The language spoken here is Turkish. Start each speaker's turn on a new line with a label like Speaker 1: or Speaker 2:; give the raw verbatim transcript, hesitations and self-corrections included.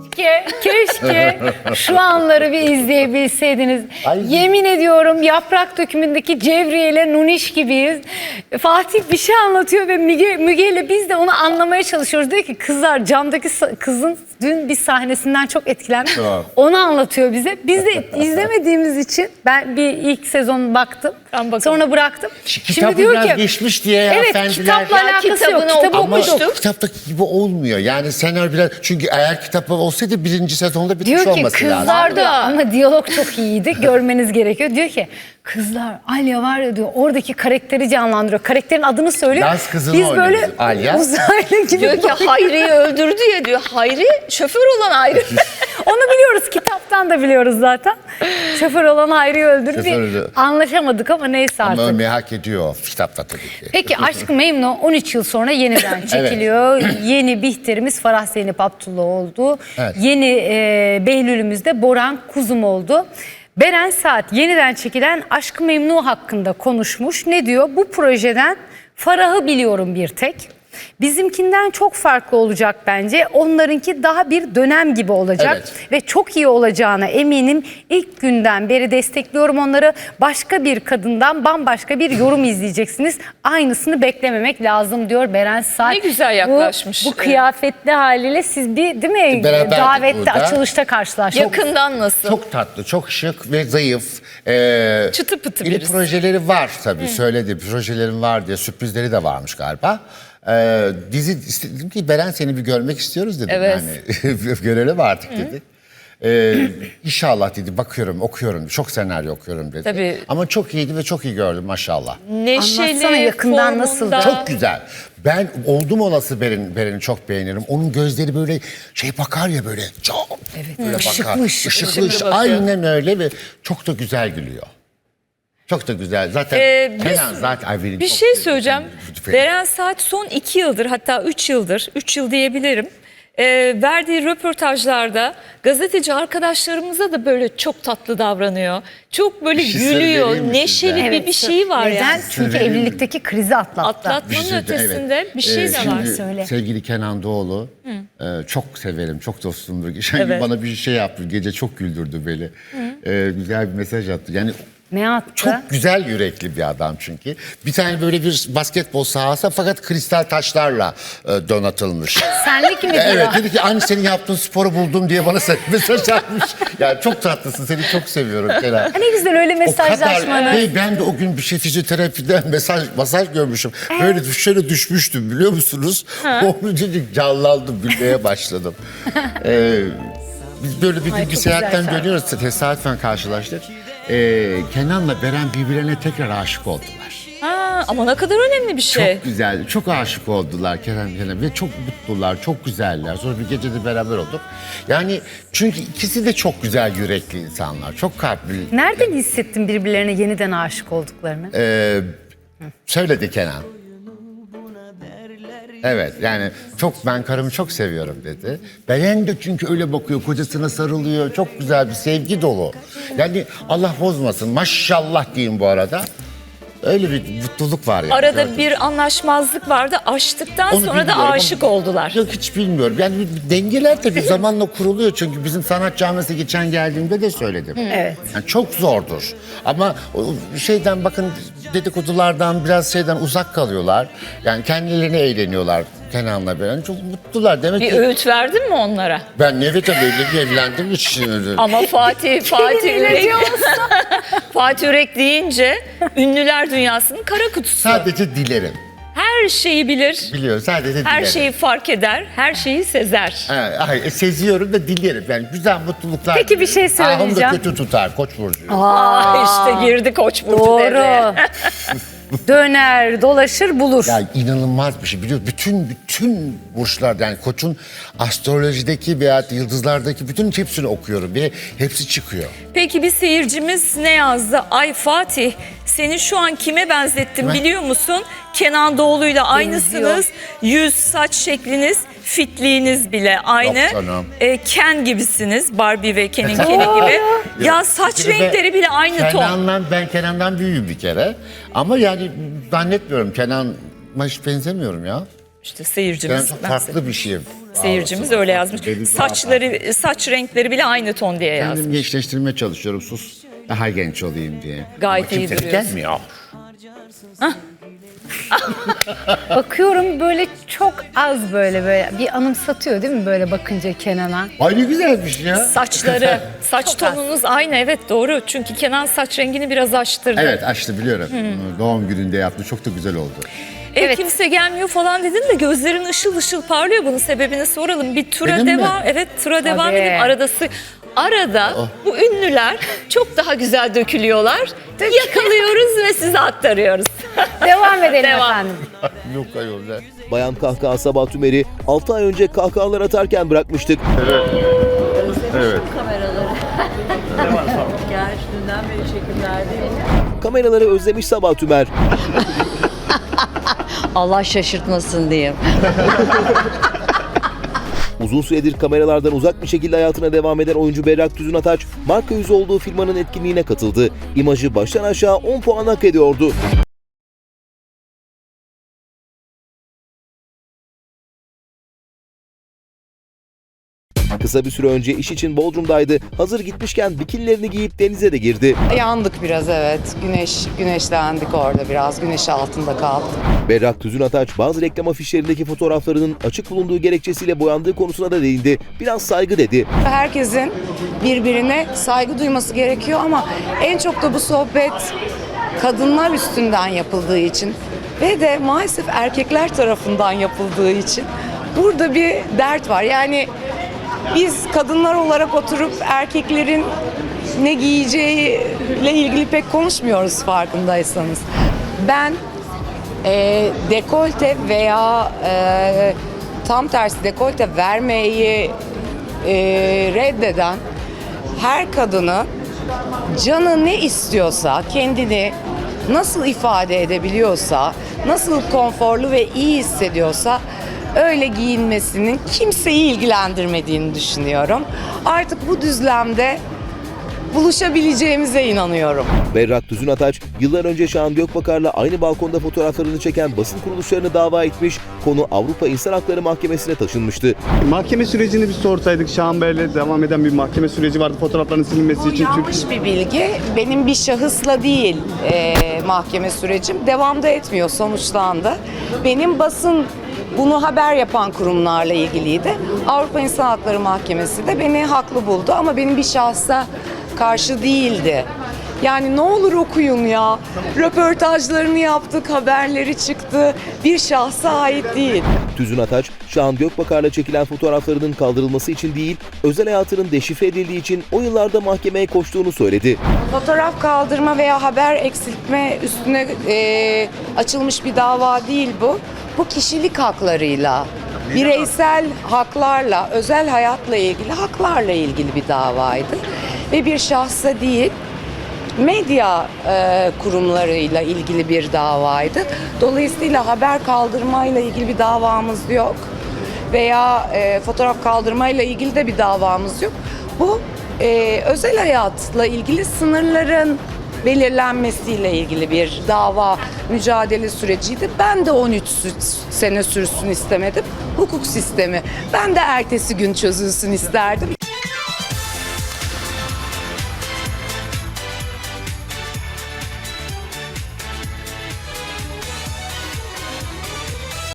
Speaker 1: Keşke, keşke şu anları bir izleyebilseydiniz.
Speaker 2: Ay.
Speaker 1: Yemin ediyorum Yaprak Dökümü'ndeki Cevriye ile Nuniş gibiyiz. Fatih bir şey anlatıyor ve Müge, Müge ile biz de onu anlamaya çalışıyoruz. Diyor ki kızlar camdaki kızın dün bir sahnesinden çok etkilendim.
Speaker 2: Tamam.
Speaker 1: Onu anlatıyor bize. Biz de izlemediğimiz için ben bir ilk sezon baktım. Sonra bıraktım.
Speaker 2: Kitabı biraz geçmiş diye ya
Speaker 1: evet,
Speaker 2: efendiler.
Speaker 1: kitapla
Speaker 2: Ya
Speaker 1: alakası yok.
Speaker 3: kitabını
Speaker 1: Kitabı
Speaker 2: Ama
Speaker 1: okuduk.
Speaker 2: kitaptaki gibi olmuyor. Yani senaryo biraz... Çünkü eğer kitap olsaydı birinci sezonda bitmiş
Speaker 1: Diyor ki
Speaker 2: olması lazım.
Speaker 1: kızlar da ama diyalog çok iyiydi. Görmeniz gerekiyor. Diyor ki kızlar Alya var ya diyor oradaki karakteri canlandırıyor. Karakterin adını söylüyor.
Speaker 2: Laz kızını
Speaker 1: Biz
Speaker 2: oynuyor
Speaker 1: böyle
Speaker 2: biz, Alya.
Speaker 1: uzaylı gibi.
Speaker 3: Diyor ki Hayri'yi öldürdü ya diyor. Hayri şoför olan Hayri.
Speaker 1: Onu biliyoruz. Kitaptan da biliyoruz zaten. Şoför olan Hayri'yi öldürdü.
Speaker 2: Şoför
Speaker 1: Bir
Speaker 2: öldü.
Speaker 1: anlaşamadık ama neyse artık.
Speaker 2: Ama merak ediyor kitapta tabii ki.
Speaker 1: Peki Aşk-ı Memnu on üç yıl sonra yeniden çekiliyor. Yeni Bihter'imiz Farah Zeynep Abdullah oldu.
Speaker 2: Evet.
Speaker 1: Yeni e, Behlül'ümüz de Boran Kuzum oldu. Beren Saat yeniden çekilen Aşk-ı Memnu hakkında konuşmuş. Ne diyor? Bu projeden Farah'ı biliyorum bir tek. Bizimkinden çok farklı olacak bence. Onlarınki daha bir dönem gibi olacak.
Speaker 2: Evet.
Speaker 1: Ve çok iyi olacağına eminim. İlk günden beri destekliyorum onları. Başka bir kadından bambaşka bir yorum izleyeceksiniz. Aynısını beklememek lazım diyor Beren Saat.
Speaker 3: Ne güzel yaklaşmış.
Speaker 1: Bu, bu kıyafetli haliyle siz bir değil mi
Speaker 2: Beraberdik
Speaker 1: davette
Speaker 2: burada.
Speaker 1: açılışta karşılaştık.
Speaker 3: Yakından nasıl?
Speaker 2: Çok tatlı, çok şık ve zayıf. Ee,
Speaker 3: Çıtı pıtı
Speaker 2: yeni
Speaker 3: birisi.
Speaker 2: projeleri var tabii. Söyledi, projelerim var diye sürprizleri de varmış galiba. Ee, dizi istedim ki Beren seni bir görmek istiyoruz dedim.
Speaker 3: Evet.
Speaker 2: Yani görelim artık dedi. Ee, inşallah dedi bakıyorum okuyorum çok senaryo okuyorum dedi.
Speaker 3: Tabii.
Speaker 2: Ama çok iyiydi ve çok iyi gördüm maşallah.
Speaker 3: Neşeli,
Speaker 1: Anlatsana yakından nasıldı?
Speaker 3: formunda.
Speaker 2: Çok güzel. Ben oldum olası Beren, Beren'i çok beğenirim. Onun gözleri böyle şey bakar ya böyle. Çok evet, böyle
Speaker 1: Işıklı
Speaker 2: bakar.
Speaker 1: ışıklı.
Speaker 2: Işıklı ışıklı.
Speaker 3: bakıyor.
Speaker 2: Aynen öyle ve çok da güzel gülüyor. Çok da güzel. Zaten
Speaker 3: Ee, biz-
Speaker 2: Kenan zaten ay benim
Speaker 3: Bir
Speaker 2: çok
Speaker 3: şey
Speaker 2: sevdiğim
Speaker 3: söyleyeceğim.
Speaker 2: bir-
Speaker 3: Beren Saat son iki yıldır hatta üç yıldır, üç yıl diyebilirim. e, verdiği röportajlarda gazeteci arkadaşlarımıza da böyle çok tatlı davranıyor. Çok böyle
Speaker 2: Bir şey söyleyeyim
Speaker 3: gülüyor,
Speaker 2: mi
Speaker 3: neşeli
Speaker 2: size?
Speaker 3: bir, bir şeyi var
Speaker 1: Neden?
Speaker 3: yani.
Speaker 1: Çünkü
Speaker 2: Söyleyeyim mi?
Speaker 1: evlilikteki krizi atlattı.
Speaker 3: Atlatmanın
Speaker 2: Bir şey de-
Speaker 3: ötesinde
Speaker 2: evet.
Speaker 3: bir şey
Speaker 2: Ee,
Speaker 3: de
Speaker 2: şimdi
Speaker 3: var.
Speaker 1: Söyle.
Speaker 2: Sevgili Kenan Doğulu e, çok severim, çok dostumdur. Geçen gün
Speaker 3: Evet.
Speaker 2: bana bir şey yaptı, gece çok güldürdü beni. E, güzel bir mesaj attı. Yani
Speaker 1: Ne attı?
Speaker 2: çok güzel yürekli bir adam çünkü. Bir tane böyle bir basketbol sahası fakat kristal taşlarla e, donatılmış.
Speaker 1: Senlik mi
Speaker 2: Evet
Speaker 1: diyor?
Speaker 2: dedi ki aynı senin yaptığın sporu buldum diye bana mesaj atmış. Yani çok tatlısın seni çok seviyorum Kenan.
Speaker 1: Ne güzel öyle
Speaker 2: O
Speaker 1: mesajlaşmanız.
Speaker 2: kadar, Hey, ben de o gün bir şey fizyoterapiden mesaj masaj görmüşüm. Böyle şöyle düşmüştüm biliyor musunuz? Onu dedik canlandım gülmeye başladım. ee, biz böyle bir gün
Speaker 1: Ay,
Speaker 2: bir
Speaker 1: çok
Speaker 2: seyahatten
Speaker 1: güzel.
Speaker 2: dönüyoruz tesadüfen karşılaştık. Ee, Kenan'la Beren birbirlerine tekrar aşık oldular.
Speaker 3: Ha, ama ne kadar önemli bir şey.
Speaker 2: Çok güzel, çok aşık oldular Kenan Kenan ve çok mutlular, çok güzeller. Sonra bir gece de beraber olduk. Yani çünkü ikisi de çok güzel yürekli insanlar, çok kalpli.
Speaker 1: Nereden hissettin birbirlerine yeniden aşık olduklarını?
Speaker 2: Ee, söyledi Kenan. Evet yani çok ben karımı çok seviyorum dedi. Beren de çünkü öyle bakıyor kocasına sarılıyor çok güzel bir sevgi dolu. Yani Allah bozmasın maşallah diyeyim bu arada. Öyle bir mutluluk var yani.
Speaker 3: Arada
Speaker 2: Gördüm.
Speaker 3: bir anlaşmazlık vardı. Aştıktan
Speaker 2: Onu
Speaker 3: sonra da
Speaker 2: bilmiyorum
Speaker 3: aşık
Speaker 2: ama-
Speaker 3: oldular.
Speaker 2: Yok hiç bilmiyorum. Yani bir- bir dengeler tabii zamanla kuruluyor. Çünkü bizim sanat camiası geçen geldiğimde de söyledim.
Speaker 1: Evet.
Speaker 2: Yani çok zordur. Ama o şeyden bakın dedikodulardan biraz şeyden uzak kalıyorlar. Yani kendilerine eğleniyorlar Kenan'la Beren. Çok mutlular. Demek
Speaker 3: Bir
Speaker 2: ki
Speaker 3: öğüt verdin mi onlara?
Speaker 2: ben evet tabii evli- evlendim hiç.
Speaker 3: Ama Fatih, Fatih
Speaker 1: Kelimeyle
Speaker 3: Ürek,
Speaker 1: diyor
Speaker 3: Fatih Ürek deyince ünlüler dünyasının kara kutusu.
Speaker 2: Sadece dilerim.
Speaker 3: Her şeyi bilir,
Speaker 2: Biliyorum sadece dilerim.
Speaker 3: her şeyi fark eder, her şeyi sezer.
Speaker 2: Ha, hayır, seziyorum da dilerim. Yani güzel mutluluklar.
Speaker 1: Peki, bir şey
Speaker 2: dilerim. Ahım da
Speaker 1: söyleyeceğim.
Speaker 2: kötü tutar Koç burcu.
Speaker 3: Aa, işte girdi Koç burcu devreye.
Speaker 1: Doğru. Döner, dolaşır, bulur.
Speaker 2: Ya inanılmaz bir şey biliyor musun? Bütün bütün burçlar yani Koç'un astrolojideki veya yıldızlardaki bütün hepsini okuyorum ve hepsi çıkıyor.
Speaker 3: Peki bir seyircimiz ne yazdı? Ay Fatih, seni şu an kime benzettim
Speaker 2: Kime?
Speaker 3: biliyor musun? Kenan Doğulu'yla aynısınız. Yüz, saç şekliniz, fitliğiniz bile aynı.
Speaker 2: Yok canım.
Speaker 3: Ee, Ken gibisiniz. Barbie ve Ken'in Ken'i gibi. Ya saç
Speaker 2: Bir de ben-
Speaker 3: renkleri bile aynı ton.
Speaker 2: Kenan'dan, ben Kenan'dan büyüğüm bir kere. Ama yani zannetmiyorum Kenan'a hiç benzemiyorum ya.
Speaker 3: İşte
Speaker 2: Ben
Speaker 3: seyircimiz.
Speaker 2: çok
Speaker 3: ben
Speaker 2: farklı bir şeyim.
Speaker 3: Seyircimiz öyle yazmış.
Speaker 2: Benim
Speaker 3: Saçları, saç renkleri bile aynı ton diye yazmış.
Speaker 2: Kendim gençleştirmeye çalışıyorum. Sus. Daha genç olayım diye.
Speaker 3: Gayet
Speaker 2: Ama
Speaker 3: iyi
Speaker 2: kimse de
Speaker 3: duruyorsun.
Speaker 2: gelmiyor.
Speaker 1: Bakıyorum böyle çok az böyle böyle bir anımsatıyor değil mi böyle bakınca Kenan'a?
Speaker 2: Ay ne güzelmiş ya.
Speaker 3: Saçları, saç
Speaker 1: Çok az.
Speaker 3: tonunuz aynı, evet doğru. Çünkü Kenan saç rengini biraz açtırdı.
Speaker 2: Evet açtı biliyorum. Doğum gününde yaptı. Çok da güzel oldu.
Speaker 3: E,
Speaker 1: Evet.
Speaker 3: kimse gelmiyor falan dedin de gözlerin ışıl ışıl parlıyor. Bunun sebebini soralım. Bir tura
Speaker 2: Benim mi?
Speaker 3: devam. Evet, tura devam
Speaker 1: Tabii.
Speaker 3: edin. Arada sı- Arada
Speaker 2: Oh.
Speaker 3: bu ünlüler çok daha güzel dökülüyorlar. Yakalıyoruz ve size aktarıyoruz.
Speaker 1: Devam edelim
Speaker 3: Devam.
Speaker 1: efendim.
Speaker 2: Yok ayol.
Speaker 4: Bayan Kahkaha Sabah Tümer'i altı ay önce kahkahalar atarken bırakmıştık.
Speaker 5: Geldiğinden beri çekimlerdeyim.
Speaker 4: Kameraları özlemiş Sabah Tümer.
Speaker 5: Allah şaşırtmasın diyeyim.
Speaker 4: Uzun süredir kameralardan uzak bir şekilde hayatına devam eden oyuncu Berrak Tüzün Ataç, marka yüzü olduğu firmanın etkinliğine katıldı. İmajı baştan aşağı on puan hak ediyordu. Kısa bir süre önce iş için Bodrum'daydı. Hazır gitmişken bikinilerini giyip denize de girdi.
Speaker 6: Yandık biraz evet. Güneş güneşlendik orada biraz. Güneş altında kaldık.
Speaker 4: Berrak Tüzün Ataç bazı reklam afişlerindeki fotoğraflarının açık bulunduğu gerekçesiyle boyandığı konusuna da değindi. Biraz saygı dedi.
Speaker 6: Herkesin birbirine saygı duyması gerekiyor ama en çok da bu sohbet kadınlar üstünden yapıldığı için ve de maalesef erkekler tarafından yapıldığı için burada bir dert var. Yani biz kadınlar olarak oturup erkeklerin ne giyeceğiyle ilgili pek konuşmuyoruz farkındaysanız. Ben e, dekolte veya e, tam tersi dekolte vermeyi e, reddeden her kadını canı ne istiyorsa, kendini nasıl ifade edebiliyorsa, nasıl konforlu ve iyi hissediyorsa öyle giyinmesinin kimseyi ilgilendirmediğini düşünüyorum. Artık bu düzlemde buluşabileceğimize inanıyorum.
Speaker 4: Berrak Tüzün Ataç, yıllar önce Şahan Gökbakar'la aynı balkonda fotoğraflarını çeken basın kuruluşlarını dava etmiş, konu Avrupa İnsan Hakları Mahkemesi'ne taşınmıştı.
Speaker 7: Mahkeme sürecini bir sorsaydık. Şahan Bey'le devam eden bir mahkeme süreci vardı fotoğrafların silinmesi için.
Speaker 6: Yanlış bir bilgi. Benim bir şahısla değil e, mahkeme sürecim. Devamda etmiyor, sonuçlandı. Benim basın bunu haber yapan kurumlarla ilgiliydi. Avrupa İnsan Hakları Mahkemesi de beni haklı buldu ama benim bir şahsa karşı değildi. Yani ne olur okuyun ya. Röportajlarını yaptık, haberleri çıktı. Bir şahsa ait değil.
Speaker 4: Tüzün Ataç, Şahan Gökbakar'la çekilen fotoğraflarının kaldırılması için değil, özel hayatının deşifre edildiği için o yıllarda mahkemeye koştuğunu söyledi.
Speaker 6: Fotoğraf kaldırma veya haber eksiltme üstüne e, açılmış bir dava değil bu. Bu kişilik haklarıyla, bireysel haklarla, özel hayatla ilgili haklarla ilgili bir davaydı. Ve bir şahsa değil, medya e, kurumlarıyla ilgili bir davaydı. Dolayısıyla haber kaldırmayla ilgili bir davamız yok. Veya e, fotoğraf kaldırmayla ilgili de bir davamız yok. Bu e, özel hayatla ilgili sınırların belirlenmesiyle ilgili bir dava mücadele süreciydi. Ben de on üç sene sürsün istemedim. Hukuk sistemi. Ben de ertesi gün çözülsün isterdim.